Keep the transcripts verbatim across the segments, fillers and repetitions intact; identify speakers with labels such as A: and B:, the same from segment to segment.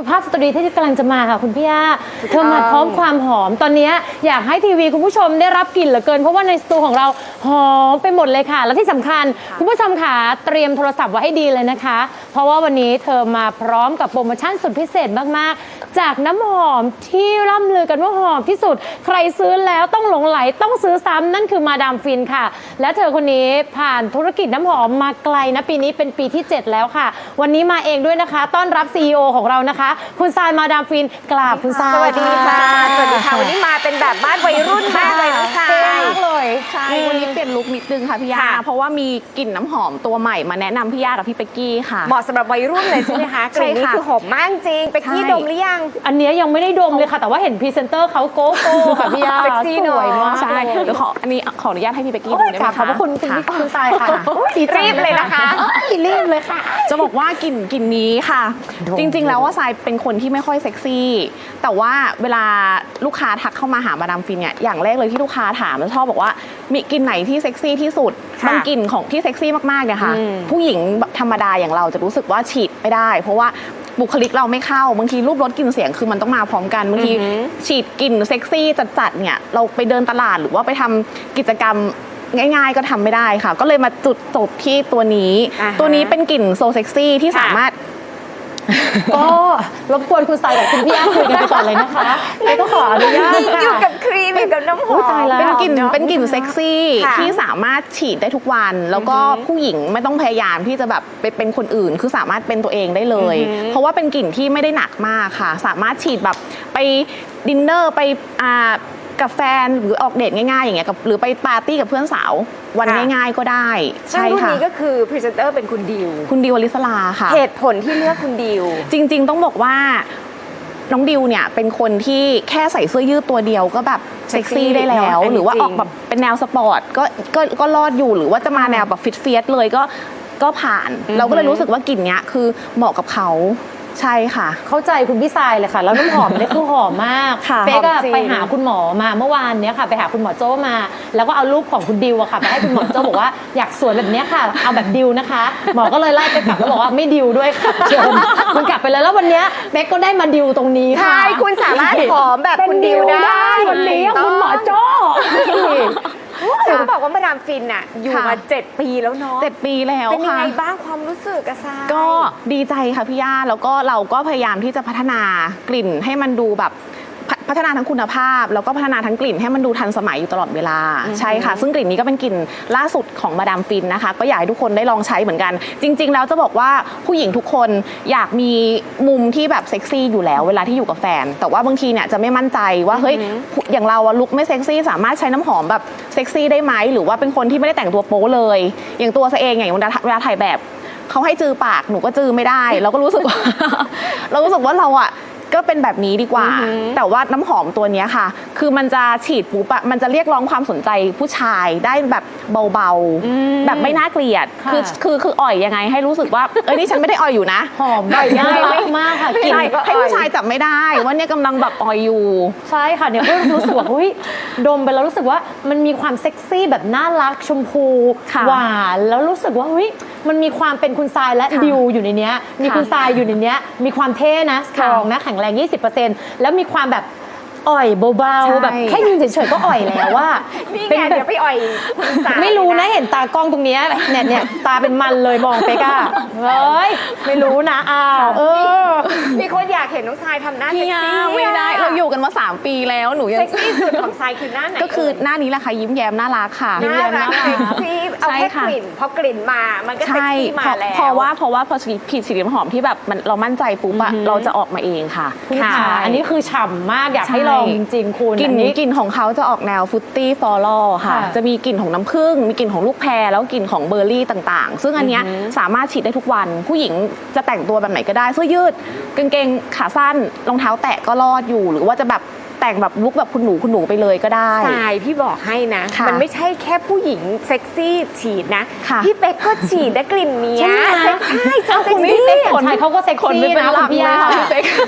A: สุภาพสตรีที่กำลังจะมาค่ะคุณพี่ย่าเธอมาพร้อมความหอมตอนนี้อยากให้ทีวีคุณผู้ชมได้รับกลิ่นเหลือเกินเพราะว่าในสตูของเราหอมไปหมดเลยค่ะและที่สำคัญคุณผู้ชมค่ะเตรียมโทรศัพท์ไว้ให้ดีเลยนะคะเพราะว่าวันนี้เธอมาพร้อมกับโปรโมชั่นสุดพิเศษมากๆจากน้ำหอมที่ร่ำลือกันว่าหอมที่สุดใครซื้อแล้วต้องหลงไหลต้องซื้อซ้ำนั่นคือมาดามฟินค่ะและเธอคนนี้ผ่านธุรกิจน้ำหอมมาไกลนะปีนี้เป็นปีที่เจ็ดแล้วค่ะวันนี้มาเองด้วยนะคะต้อนรับ ซี อี โอ ของเรานะคะคุณทรายมาดามฟินกราบคุณทราย
B: สวัสดีค่ะสวัสดีค่ะวันนี้มาเป็นแบบบ้านวัยรุ่นมากเลยน้องทราย
A: มากเลย
C: ใช่วันนี้เปลี่ยนลุคนิดนึงค่ะพี่ยาเพราะว่ามีกลิ่นน้ำหอมตัวใหม่มาแนะนำพี่ยากับพี่เป๊กกี้ค่ะ
B: เหมาะสำหรับวัยรุ่นเลยใช่ไหมคะกลิ่นนี้คือหอมมากจริงไปกี้ดมหรือยัง
A: อันนี้ยังไม่ได้ดมเลยค่ะแต่ว่าเห็นพรีเซนเตอร์เขาโก้โก้ค่ะพี่ยา
B: เซ็กซี่
A: สวยมาก
C: ใช่เดี๋ยวขออันนี้ขออนุญาตให้พี่เป๊กกี้ดูได้ไหมคะ
A: ขอบพระคุณคุณพี่คุณทรายค่ะ
B: รีบเลยนะคะ
A: รีบเลยค่ะ
C: จะบอกว่ากลิ่นกลิ่นนี้ค่ะ จริงๆแล้วว่าทรายเป็นคนที่ไม่ค่อยเซ็กซี่แต่ว่าเวลาลูกค้าทักเข้ามาหามาดามฟินเนี่ยอย่างแรกเลยที่ลูกค้าถามแล้วชอบบอกว่ามีกลิ่นไหนที่เซ็กซี่ที่สุดบางกลิ่นของที่เซ็กซี่มากๆเนี่ยค่ะผู้หญิงธรรมดาอย่างเราจะรู้สึกว่าฉีดไม่ได้เพราะว่าบุคลิกเราไม่เข้าบางทีรูปรสกลิ่นเสียงคือมันต้องมาพร้อมกันบางทีฉีดกลิ่นเซ็กซี่จัดๆเนี่ยเราไปเดินตลาดหรือว่าไปทำกิจกรรมง่ายๆก็ทำไม่ได้ค่ะก็เลยมาจุดจบที่ตัวนี้ตัวนี้เป็นกลิ่นโซเซ็กซี่ที่สามารถ
A: ก็รบกวนคุณทรายกับคุณพี่ย่าคุยกันไปก่อนเลยนะคะแล้วก็ขออนุญาตค่ะ
B: อยู่กับครีมอยู่กับน้ำหอม
C: เป็นกลิ่นเป็นกลิ่นเซ็กซี่ที่สามารถฉีดได้ทุกวันแล้วก็ผู้หญิงไม่ต้องพยายามที่จะแบบเป็นคนอื่นคือสามารถเป็นตัวเองได้เลยเพราะว่าเป็นกลิ่นที่ไม่ได้หนักมากค่ะสามารถฉีดแบบไปดินเนอร์ไปอ่ากับแฟนหรือออกเดทง่ายๆอย่างเงี้ยกับหรือไปปาร์ตี้กับเพื่อนสาววันง่ายๆก็ได้
B: ใช่ค่ะรุ่นนี้ก็คือพรีเซนเตอร์เป็นคุณดิว
C: คุณดิวอลิสลาค่ะ
B: เหตุผลที่เลือกคุณดิว
C: จริงๆต้องบอกว่าน้องดิวเนี่ยเป็นคนที่แค่ใส่เสื้อยืดตัวเดียวก็แบบเซ็กซี่ได้แล้วหรือว่าออกแบบเป็นแนวสปอร์ตก็ก็ก็รอดอยู่หรือว่าจะมาแนวแบบฟิตเฟียสเลยก็ก็ผ่านเราก็เลยรู้สึกว่ากลิ่นเนี้ยคือเหมาะกับเขาใช่ค่ะ
A: เข้าใจคุณพี่ทรายเลยค่ะแล้วน้ำหอมเนี่ยคือหอมมากเป๊กอะไปหาคุณหมอมาเมื่อวานเนี้ยค่ะไปหาคุณหมอโจ้มาแล้วก็เอารูปของคุณดิวอะค่ะไปให้คุณหมอโจ้บอกว่าอยากสวยแบบเนี้ยค่ะเอาแบบดิวนะคะหมอก็เลยไล่ไปกลับแล้วบอกว่าไม่ดิวด้วยค่ะเชิญคุณกลับไปเลยแล้ววันเนี้ยเป๊กก็ได้มาดิวตรงนี้ค่ะ
B: ใช่คุณสามารถหอมแบบคุณดิวได้
A: วันนี้คุณหมอโจ้
B: เขาบอกว่ามาดามฟินน่ะอยู่มาเจ็ดปีแล้วเนาะ
C: เจ็ดปีแล้วค่ะ
B: เป็นยังไงบ้างความรู้สึกอะทราย
C: ก็ดีใจค่ะพี่ย่าแล้วก็เราก็พยายามที่จะพัฒนากลิ่นให้มันดูแบบพัฒนาทั้งคุณภาพแล้วก็พัฒนาทั้งกลิ่นให้มันดูทันสมัยอยู่ตลอดเวลาใช่ค่ะซึ่งกลิ่นนี้ก็เป็นกลิ่นล่าสุดของมาดามฟินนะคะก็อยากให้ทุกคนได้ลองใช้เหมือนกันจริงๆแล้วจะบอกว่าผู้หญิงทุกคนอยากมีมุมที่แบบเซ็กซี่อยู่แล้วเวลาที่อยู่กับแฟนแต่ว่าบางทีเนี่ยจะไม่มั่นใจว่าเฮ้ยอย่างเราอะลุคไม่เซ็กซี่สามารถใช้น้ำหอมแบบเซ็กซี่ได้ไหมหรือว่าเป็นคนที่ไม่ได้แต่งตัวโป๊เลยอย่างตัวซะเองอย่างเวลาเวลาถ่ายแบบเขาให้จือปากหนูก็จือไม่ได้เราก็รู้สึกว่า เรารู้สึกว่าเราอะก็เป็นแบบนี้ดีกว่าแต่ว่าน้ำหอมตัวนี้ค่ะคือมันจะฉีดปุ๊บอะมันจะเรียกร้องความสนใจผู้ชายได้แบบเบาๆแบบไม่น่าเกลียดคือคือคืออ่อยยังไงให้รู้สึกว่าเอ้ยนี่ฉันไม่ได้อ่อยอยู่นะ
A: หอมแบบน่ารักมากค่ะ
C: กินให้ผู้ชายจับไม่ได้ว่าเนี่ยกำลังแบบอ่อยอยู่
A: ใช่ค่ะเนี่ยก็รู้สึกว่าเฮ้ยดมไปแล้วรู้สึกว่ามันมีความเซ็กซี่แบบน่ารักชมพูหวานแล้วรู้สึกว่าเฮ้ยมันมีความเป็นคุณทรายและดิวอยู่ในเนี้ยมีคุณทรายอยู่ในเนี้ยมีความเท่นะสตรองนะแข็งแรง ยี่สิบเปอร์เซ็นต์ แล้วมีความแบบอ่อยเบาๆแบบแค่ยืนเฉยๆก็อ่อยแล้วว่า
B: เป็นเดี๋ยวไปอ่อย
A: ไม่รู้นะเห็นตากล้องตรงนี้เนี่ยเนี่ยตาเป็นมันเลยมองไปก้าเฮ้ยไม่รู้นะอ้าวเออ
B: มีคนอยากเห็นน้องทรายทำหน้าเซ็กซี่
C: ไม่ได้เราอยู่กันมาสามปีแล้วหนูยัง
B: เซ็กซี่สุดของทรายคือหน้าไหน
C: ก็คือหน้านี้แหละค่ะยิ้มแย้มน่ารักค่ะ
B: น่ารักเซ็กซี่เอาแค่กลิ่นพอกลิ่นมามันก็เซ็กซี่มาแล้ว
C: เพราะว่าเพราะว่าพอผิดสีน้ำหอมที่แบบมันเรามั่นใจปุ๊บอะเราจะออกมาเองค่ะ
A: ค่ะอันนี้คือฉ่ำมากอยากให้ลองจริงๆคุณ
C: กลิ่นนี้กลิ่นของเขาจะออกแนวฟรุตตี้ฟลอรัลค่ะจะมีกลิ่นของน้ำผึ้งมีกลิ่นของลูกแพรแล้วกลิ่นของเบอร์รี่ต่างๆซึ่งอันนี้สามารถฉีดได้ทุกวันผู้หญิงจะแต่งตัวแบบไหนก็ได้เสื้อยืดกางเกงขาสั้นรองเท้าแตะก็รอดอยู่หรือว่าจะแบบแต่งแบบลุคแบบคุณหนูคุณหนูไปเลยก็ได้
B: ใช่พี่บอกให้นะมันไม่ใช่แค่ผู้หญิงเซ็กซี่ฉีดนะพี่เป๊กก็ฉีดได้กลิ่นนี้
A: ใช่
B: ใช่
A: ใช่คุณพี่เป๊กคนไทยเขาก็เซ็กซี่นะคุณพี่ย่า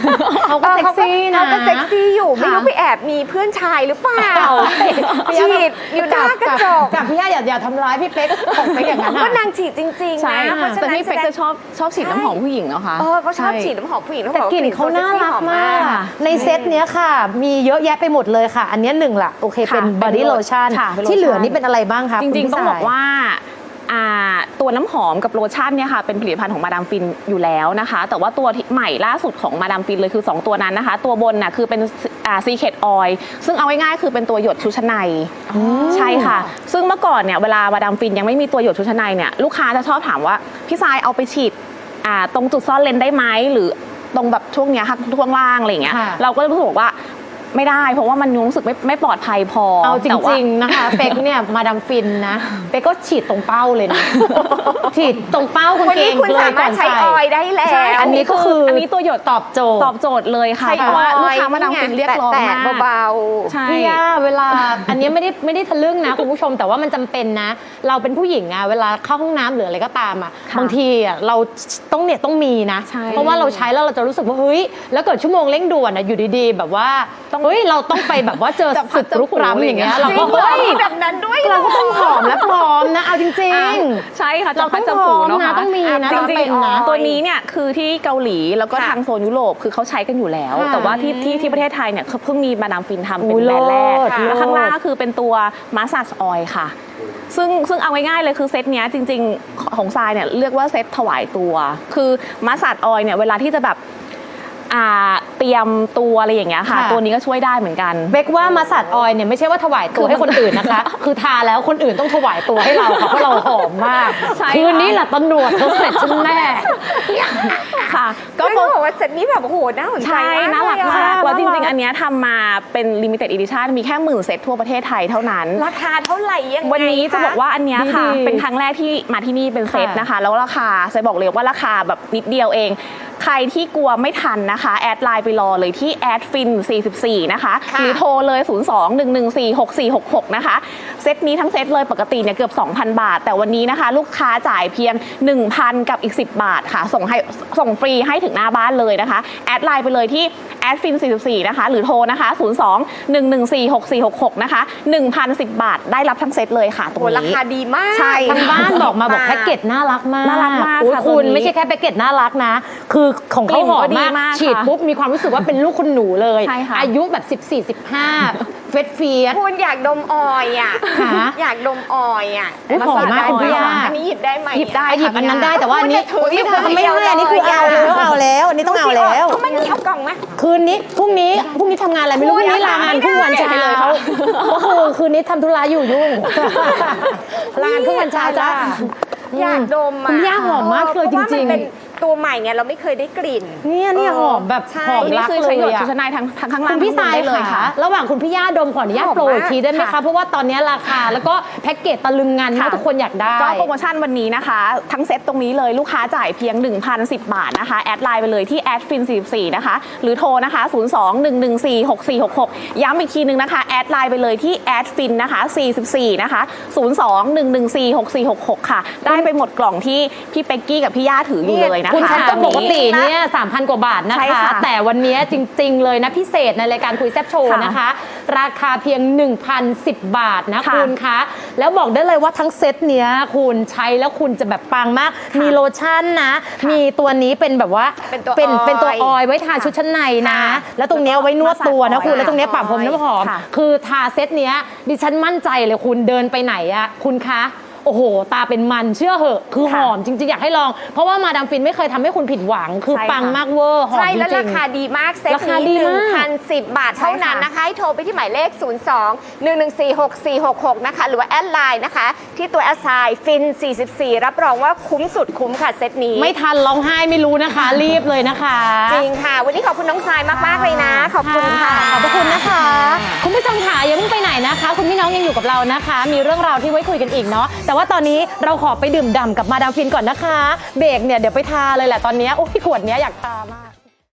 A: เขาก็เซ็กซี่นะ
B: เขาก็เซ็กซี่อยู่ไม่รู้
C: ค่ะ
B: ไปแอบมีเพื่อนชายหรือเปล่าฉีดอยู่หน้ากระจก
A: กับพี่ย่าอย่าอย่าทำร้ายพี่เป๊กของเป๊กอย่างนั้น
B: ก็
A: อะ
B: นางฉีดจริงๆ
C: ใช่
B: นะ
C: ค่ะ
B: เพราะฉะ
C: แต่
B: นั้น
C: พี่เป๊กจะชอบชอบฉีดน้ำหอมผู้หญิงเนาะคะ
B: เออเขาชอบ
C: ใ
B: ฉีดน้ำหอมผู้หญิง
A: แต่กลิ่นเขาน่ารักมาก
C: ค่ะ
A: ในเซตเนี้ยค่ะ มีเยอะแยะไปหมดเลยค่ะ อันเนี้ยหนึ่งละโอเคเป็น
C: ค่ะ
A: body
C: เป็น
A: lotion
C: ค่ะเป็น
A: ที่เหลือ
C: lotion
A: นี่เป็นอะไรบ้างคะ
C: จริงๆ ต้องบอกว่าอ่าตัวน้ำหอมกับโลชั่นเนี่ยค่ะเป็นผลิตภัณฑ์ของมาดามฟินอยู่แล้วนะคะ แต่ว่าตัวที่ใหม่ล่าสุดของมาดามฟินเลยคือ สอง ตัวนั้นนะคะ ตัวบนน่ะคือเป็นอ่าซีเคทออยล์ซึ่งเอาง่ายๆคือเป็นตัวหยดชุดชั้นในใช่ค่ะ ซึ่งเมื่อก่อนเนี่ยเวลามาดามฟินยังไม่มีตัวหยดชุดชั้นในเนี่ยลูกค้าจะชอบถามว่าพี่ทรายเอาไปฉีดอ่าตรงจุดซ่อนเลนได้ไหมหรือตรงแบบช่วงเนี้ยค่ะช่วงล่างอะไรอย่างเงี้ย
A: ค่ะ
C: เราก็เลยรู้สึกว่าไม่ได้เพราะว่ามันรู้สึกไม่ไม่ปลอดภัยพอ
A: เอาจ
C: แต่ว่า
A: ริง ๆ นะคะ เป๊กเนี่ยมาดามฟินนะ เป๊กก็ฉีดตรงเป้าเลยนะ ฉีดตรงเป้ากาง
B: วัน
A: เก
B: นี้
A: ง
B: คุณ
A: เลย
B: สา
A: ก่
B: มา
A: อ
B: รถ
A: น
B: ใช้
A: ใส่
B: ออยล์ได้แล้ว
C: ใช่
A: อันนี้ก็คือ
C: อันนี้ตัวหยด
A: ตอบโจทย์
C: ตอบโจทย์เลยค่ะ
B: ใช้
C: เพราะว่าลูกค้ามาดาม
B: ออยล์
C: ฟินเรียกร้อง
B: แตะ
C: มาก
B: ๆเบา
C: ใช่
A: พี่ย่าเวลา อันนี้ไม่ได้ไม่ได้ทะลึ่งนะคุณผู้ชมแต่ว่ามันจำเป็นนะ เราเป็นผู้หญิงอะเวลาเข้าห้องน้ำหรืออะไรก็ตามอะ
C: ค่ะ
A: บางทีอะเราต้องเนี่ยต้องมีนะ
C: ใช่
A: เพราะว่าเราใช้แล้วเราจะรู้สึกว่าเฮ้ยแล้วเกิดชั่วโมงเร่งด่วนอะอยู่ดีๆ แบบว่าเฮ้ยเราต้องไปแบบว่าเจอ
C: จับพั
A: สึ
C: ด
A: กรุกร้ำอย่างเงี้ย
B: ๆ
A: เรา
B: จริ
A: ก็
B: งเหรอ
A: เฮ้ย
B: มีแบบนั้นด้วยเหร
A: เราก็ต้องหอมและพร้อมนะเอาจริง
C: อ่ะ
A: ๆ
C: ใช่ค่ะ
A: เรา
C: จับพัด
A: ต้
C: จั
A: อบ ง
C: ผู
A: พร้อม
C: เนาะ
A: นะ
C: ค่ะ
A: ต้องมีนะ
C: จ
A: ต้อง
C: ริ
A: เป็
C: ง
A: นนะ
C: ๆตัวนี้เนี่ยคือที่เกาหลีแล้วก็
B: ค่ะ
C: ทางโซนยุโรปคือเขาใช้กันอยู่แล้ว
A: ค่ะ
C: แต่ว่าที่ที่ที่ประเทศไทยเนี่ยเพิ่งมีมาดามฟินทำเป็น
A: อุ๊ย
C: แบรนด์แรก
A: เลิศ
C: แล้วข้างล่าง
A: เลิศ
C: ก็คือเป็นตัวมาสซาจออยล์ค่ะ ซึ่งซึ่งเอาง่ายๆเลยคือเซตเนี้ยจริงๆของทรายเนี่ยเรียกว่าเซตถวายตัว คือมาสซาจออยล์เนี่ยเวลาที่จะแบบอ่าเตรียมตัวอะไรอย่างเงี้ยค่ะ
A: ค่ะ
C: ตัวนี้ก็ช่วยได้เหมือนกัน
A: เบกว่ามาสัดออยเนี่ยไม่ใช่ว่าถวายตัวให้คนอื่นนะคะ คือทาแล้วคนอื่นต้องถวายตัวให้เราค่ะเพราะเราหอมมาก
C: ใช่ค่ะ
A: คืนนี้แหละตำรวจเขาเสร็จฉันแน่
C: ค่ะ
B: ก็
C: ก็
B: เขาบอกว่าเซตนี้แบบโอ้โหน่าสนใจ
C: ใช่
B: มาก
C: น่ารัก
B: เลย
C: มาก
B: อะ
C: แล้วจริงๆ อันเนี้ยทำมาเป็น limited edition มีแค่หมื่นเซตทั่วประเทศไทยเท่านั้น
B: ราคาเท่าไหร่ยังไง
C: วันนี้จะบอกว่าอันเนี้ยค่ะ
A: ดีๆ
C: เป็นครั้งแรกที่มาที่นี่เป็นเซต
A: ค่ะ
C: นะคะ แล้วราคาจะบอกเลยว่าราคาแบบนิดเดียวเอง ใครที่กลัวไม่ทันนะคะ แอดไลน์ไปรอเลยที่แอดฟินสี่สิบสี่นะคะ
B: ค่ะ
C: หรือโทรเลย ศูนย์ สอง หนึ่ง หนึ่ง สี่ หก สี่ หก หก นะคะ เซตนี้ทั้งเซตเลยปกติเนี่ยเกือบ สองพัน บาท แต่วันนี้นะคะ ลูกค้าจ่ายเพียง หนึ่งพัน กับอีก สิบบาทค่ะ ส่งให้ส่งฟรีให้ถึงหน้าบ้านเลยนะคะ แอดไลน์ไปเลยที่แอดฟินสี่สิบสี่นะคะ หรือโทรนะคะ ศูนย์ สอง หนึ่ง หนึ่ง สี่ หก สี่ หก หก นะคะ หนึ่งพันสิบ บาทได้รับทั้งเซตเลยค่ะตร
B: โอ้
C: ง
B: โหรา
C: นี้
B: คาดีมาก
C: ใช่
A: ทางบ้านบอกมาบอกแพ็กเกจน่ารักมาก
C: น่ารักมาก
A: โอ้ย
C: ค่ะ
A: คุณ
C: ตัวนี้
A: ไม่ใช่แค่แพ็กเกจน่ารักนะ คือของเขา
C: กลิ่น
A: หอ
C: ก็
A: ม
C: ดี
A: มาก
C: มาก
A: ฉีด
C: ค่ะ
A: ปุ๊บมีความรู้สึกว่าเป็นลูกคุณหนูเลย
C: ใช่ค่ะ
A: อายุแบบสิบสี่ สิบห้าเฟสเฟียส
B: คุณอยากดมออยล์อ่ะ
A: ค่ะ
B: อยากดมออยล์อ่ะ
A: อุ๊ยหอมมากคุณพี่ย่า
B: อันนี้หยิบได้ไหม
C: หยิบได้
A: หยิบอันนั้นได้แต่ว่าอันนี้
B: คุณเนี่ยถือ
A: ไม่
B: อยู่
A: ได้อันนี้คือเอาแล้วเอาแล้ว อันนี้ต้องเอาแล้ว
B: เขาไม่มีเอากล่องไหม
A: คืนนี้พรุ่งนี้พรุ่งนี้ทำงานอะไรไม่รู้พ
B: คุ
A: รุ่
B: ณ
A: งนี้ลางานครึ่งวัน
B: ไม่ได้
A: เช้าก็คือคืนนี้ทำธุระอยู่ยุ่ง ลางานครึ่งวันเช้าจ้า
B: อยากดมอ่ะ
A: คุณย่าหอมมากเลยจ
B: พาะว่า
A: ริง
B: มันเป็นตัวใหม่ไงเราไม่เคยได้กลิ่น
A: ๆเนี่ยเนี่ยหอมแบบ
B: ใช่
A: หอม
C: ตัวนี้
A: รัก
C: คือ
A: เล
C: ใช้หยด
A: ย
C: ชุด
A: อะ
C: ชั้นในทั้งทั้งข้างล่าง
A: คุณพี่
C: ทั้งบน
A: สาย
C: ได้เลย
A: ค่ะ
C: ค่ะ
A: ระหว่างคุณพี่ย่าดมขออนุญาต
B: หอม
A: โปรอีก
B: มาก
A: ทีได้ไหมคะ
B: ค่ะ
A: เพราะว่าตอนนี้ราคาแล้วก็แพ็กเกจตะลึงงานมาก
C: ค่ะ
A: ทุกคนอยากได้
C: ก็โปรโมชั่นวันนี้นะคะ ทั้งเซ็ตตรงนี้เลยลูกค้าจ่ายเพียง หนึ่งพันสิบ บาทนะคะ แอดไลน์ไปเลยที่แอดฟินสี่สิบสี่นะคะ หรือโทรนะคะ ศูนย์ สอง หนึ่ง หนึ่ง สี่ หก สี่ หก หก ย้ำอีกทีนึงนะคะ แอดไลน์ไปเลยที่แอดฟินนะคะสี่สิบสี่นะคะ ศูนย์ สอง หนึ่ง หนึ่ง สี่ หก สี่ หก หก ค่ะ ได้ไปหมดกล่องที่พี่เป็กกี้กับพี่ย่าถืออยู่เลยนะคะ
A: คุณชันต้องปกติ
C: อันนี้
A: เนี่ยสามพันกว่าบาทนะ
C: ใช่
A: คะ
C: ค่ะ
A: แต่วันนี้จริง ๆ เลยนะพิเศษในรายการคุยแซบโชว์
C: ค่ะ
A: นะคะ ราคาเพียง หนึ่งพันสิบ บาทนะ
C: ค่ะ
A: คุณคะ แล้วบอกได้เลยว่าทั้งเซตเนี้ยคุณใช้แล้วคุณจะแบบปังมาก มีโลชั่นนะ มีตัวนี้เป็นแบบว่า
B: เป็นตัว
A: เป็น
B: ออยล์
A: เป็นตัวออยล์ไว้ทาชุดชั้นในนะ
B: ค่ะ
A: แล้วตรงเนี้ยเอาไว้นวดตัวนะคุณ
C: แล้วก็
A: แล้วตรงเนี้ยปะพรมน้ำหอม
C: ค่ะ
A: คือทาเซตเนี้ยดิฉันมั่นใจเลยคุณเดินไปไหนอะคุณคะ โอ้โห ตาเป็นมันเชื่อเหอะ คือห
C: ค่ะ
A: อมจริง ๆ อยากให้ลอง เพราะว่ามาดามฟินไม่เคยทำให้คุณผิดหวัง คือ
C: ใช่ค่ะ
A: ปังมากเวอร์หอม
B: ใช่
A: จ
B: แล้ว
A: ริ
B: ราง คาดีมากเซ็ต
A: ราคา
B: นี้
A: ดี
B: หนึ่
A: มาง ก
B: พันสิบบาทเท่านั้นนะคะให้โทรไปที่หมายเลข ศูนย์ สอง หนึ่ง หนึ่ง สี่ หก สี่ หก หก นะคะ หรือว่าแอดไลน์นะคะ ที่ตัวแอดไซน์ฟินสี่สิบสี่รับรองว่าคุ้มสุดคุ้มค่ะเซ็ตนี้
A: ไม่ทันร้องไห้ไม่รู้นะคะ รีบเลยนะคะ
B: จริงค่ะ วันนี้ขอบคุณน้องทรายมาก ๆ เลยนะ ขอบคุณค่ะ
A: ขอบพระคุณนะคะ คุณผู้ชมค่ะอย่าเพิ่งไปไหนนะคะ คุณพี่น้องยังอยู่กับเรานะคะ มีเรื่องราวที่ไว้คุยกันอีกเนาะแต่ว่าตอนนี้เราขอไปดื่มด่ำกับมาดามฟินก่อนนะคะ เบรกเนี่ยเดี๋ยวไปทาเลยแหละตอนนี้โอ้ยขวดเนี้ยอยากทามาก